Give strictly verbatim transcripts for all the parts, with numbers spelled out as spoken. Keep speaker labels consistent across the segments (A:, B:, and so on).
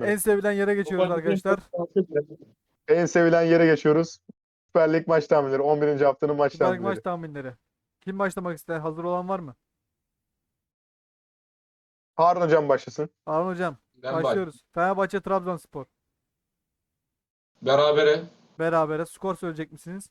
A: En sevilen yere geçiyoruz arkadaşlar.
B: En sevilen yere geçiyoruz. Süper Lig maç tahminleri. on birinci haftanın maç
A: Süper Lig maç
B: tahminleri.
A: tahminleri. Kim başlamak ister? Hazır olan var mı?
B: Harun hocam başlasın.
A: Harun hocam.
C: Ben bak.
A: Başlıyoruz. Fenerbahçe Trabzonspor.
C: Berabere.
A: Berabere. Skor söyleyecek misiniz?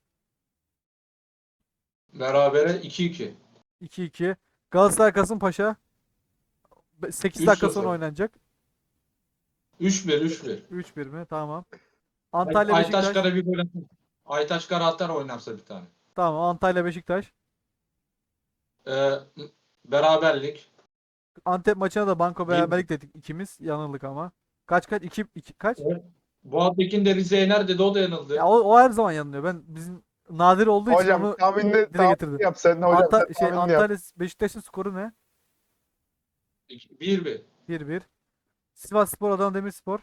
C: Berabere iki iki.
A: iki iki. Galatasaray Kasımpaşa. sekiz
C: üç
A: dakika sonra
C: sıfır.
A: oynanacak.
C: üç bir üç bir.
A: üç bir mi? Tamam.
C: Ay-
A: Antalya
C: Aytaç
A: Beşiktaş.
C: Kara bir gol atar. Aytaç Kara atar oynarsa bir tane.
A: Tamam. Antalya Beşiktaş.
C: Ee, beraberlik.
A: Antep maçına da banko
C: Bir-
A: beraberlik dedik ikimiz. Yanıldık ama. Kaç kaç? iki iki kaç?
C: Boğatekin de Rize yener dedi, o da yanıldı.
A: Ya o, o her zaman yanılıyor. Ben bizim nadir olduğu için
B: Hocam
A: onu
B: tahminini
A: dile
B: tahmin
A: getirdim.
B: yap sen. Hocam
A: Anta
B: sen
A: şey
B: tahminini yap.
A: Antalya Beşiktaş'ın skoru ne?
C: bir bir.
A: bir bir. Sivasspor Adana Demirspor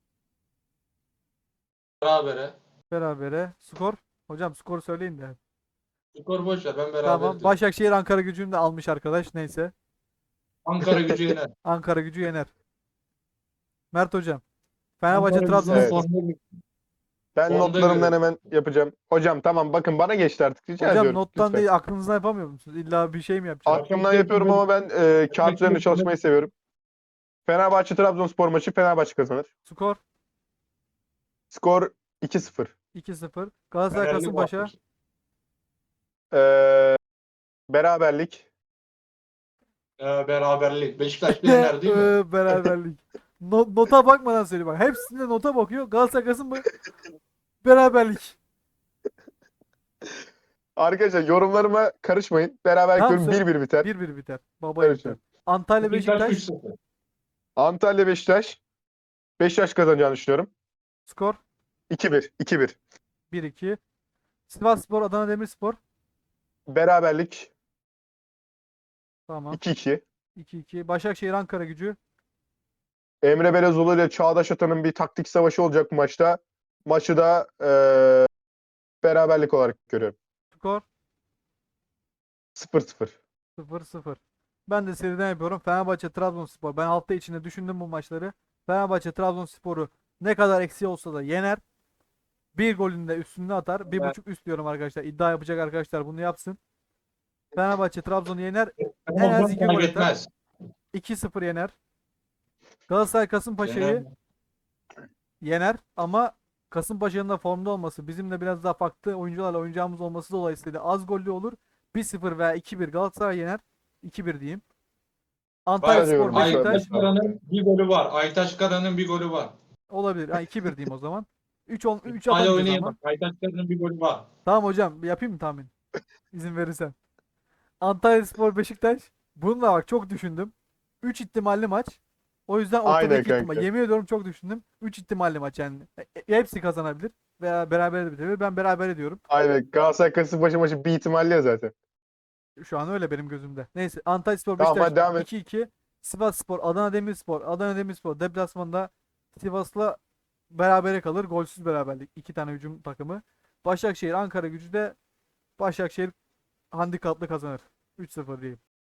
C: Berabere.
A: berabere. Skor. Hocam skoru söyleyin de.
C: Skor boş ver, ben beraber
A: Tamam.
C: diyorum.
A: Başakşehir Ankara Gücü'nü de almış arkadaş. Neyse.
C: Ankara Gücü yener.
A: Ankara Gücü yener. Mert hocam. Fenerbahçe
C: Ankara Gücü'nün
B: Evet.
A: Trabzonspor.
C: formda-
B: Ben
C: Onda
B: notlarımdan
C: göre.
B: hemen yapacağım. Hocam tamam bakın bana geçti artık. Rica
A: Hocam
B: ediyorum.
A: nottan
B: lütfen.
A: değil aklınızdan yapamıyor musunuz? İlla bir şey mi yapacaksınız?
B: Aklımdan yapıyorum ama ben e, kağıt üzerinde çalışmayı seviyorum. Fenerbahçe Trabzonspor maçı Fenerbahçe kazanır.
A: Skor
B: Skor iki sıfır.
A: iki sıfır. Galatasaray
C: Fenerli
A: Kasımpaşa.
C: Boğatekin.
B: Ee, beraberlik.
C: Ee, beraberlik. Beşiktaş da yener değil mi?
A: Ee, Beraberlik. No- nota bakmadan söyle bak. Hepsinde nota bakıyor. Galatasaray Kasımpaşa beraberlik.
B: Arkadaşlar yorumlarıma karışmayın. Beraber
A: Tamam,
B: diyorum
A: söyle.
B: bir bir biter.
A: bir bir biter. Baba biter.
B: Karışmayın.
A: Antalya
C: Beşiktaş üç
A: Beşiktaş.
C: sıfır.
B: Antalya Beşiktaş. Beşiktaş kazanacağını düşünüyorum.
A: Skor
B: iki bir. iki bir.
A: bir iki. Sivasspor Adana Demirspor.
B: Beraberlik
A: Tamam.
B: iki iki.
A: iki iki. Başakşehir Ankara Gücü.
B: Emre Belezoğlu ile Çağdaş Atan'ın bir taktik savaşı olacak bu maçta. Maçı da eee, beraberlik olarak görüyorum.
A: Skor
B: sıfır sıfır.
A: sıfır sıfır. Ben de seriden yapıyorum. Fenerbahçe Trabzonspor. Ben hafta içinde düşündüm bu maçları. Fenerbahçe Trabzonspor'u ne kadar eksi olsa da yener. Bir golünü de üstüne atar. Bir
C: Evet.
A: buçuk üst diyorum arkadaşlar. İddia yapacak arkadaşlar bunu yapsın. Fenerbahçe Trabzon'u yener. En az iki
C: Fark
A: gol atar.
C: etmez.
A: iki sıfır yener. Galatasaray Kasımpaşa'yı
C: Yener.
A: yener ama Kasımpaşa'nın da formda olması, bizim de biraz daha farklı oyuncularla oynayacağımız olması dolayısıyla az gollü olur. bir sıfır veya iki bir Galatasaray yener. iki bir diyeyim. Antalya
B: Ben de
A: Spor
B: yorum
A: Beşiktaş
B: yapıyorum.
C: Aytaç Kara'nın bir golü var. Aytaç Kara'nın bir golü var.
A: olabilir. Ha, iki bir diyeyim o zaman. üç on üç
C: Hala
A: atamayacağız
C: oynayamaz.
A: ama.
C: Aytaç Kara'nın bir golü var.
A: Tamam hocam, yapayım mı tahmin? İzin verirsen. Antalya Spor Beşiktaş. Bunu da bak çok düşündüm. üç ihtimalli maç. O yüzden
B: Aynen
A: ortadaki ihtimal.
B: kanka.
A: Yemin ediyorum çok düşündüm. üç ihtimalli maç yani. E, e, hepsi kazanabilir veya beraber de bitebilir. Ben beraber ediyorum.
B: Aynen. Galatasaray Kasımpaşa maçı bir ihtimalli ya zaten.
A: Şu an öyle benim gözümde. Neyse, Antalyaspor
B: Tamam,
A: Beşiktaş
B: hadi devam et.
A: iki iki. Sivasspor Adana Demirspor. Adana Demirspor deplasmanda Sivas'la berabere kalır. Golsüz beraberlik. İki tane hücum takımı. Başakşehir Ankara Gücü de Başakşehir handikaplı kazanır. üç sıfır diyeyim.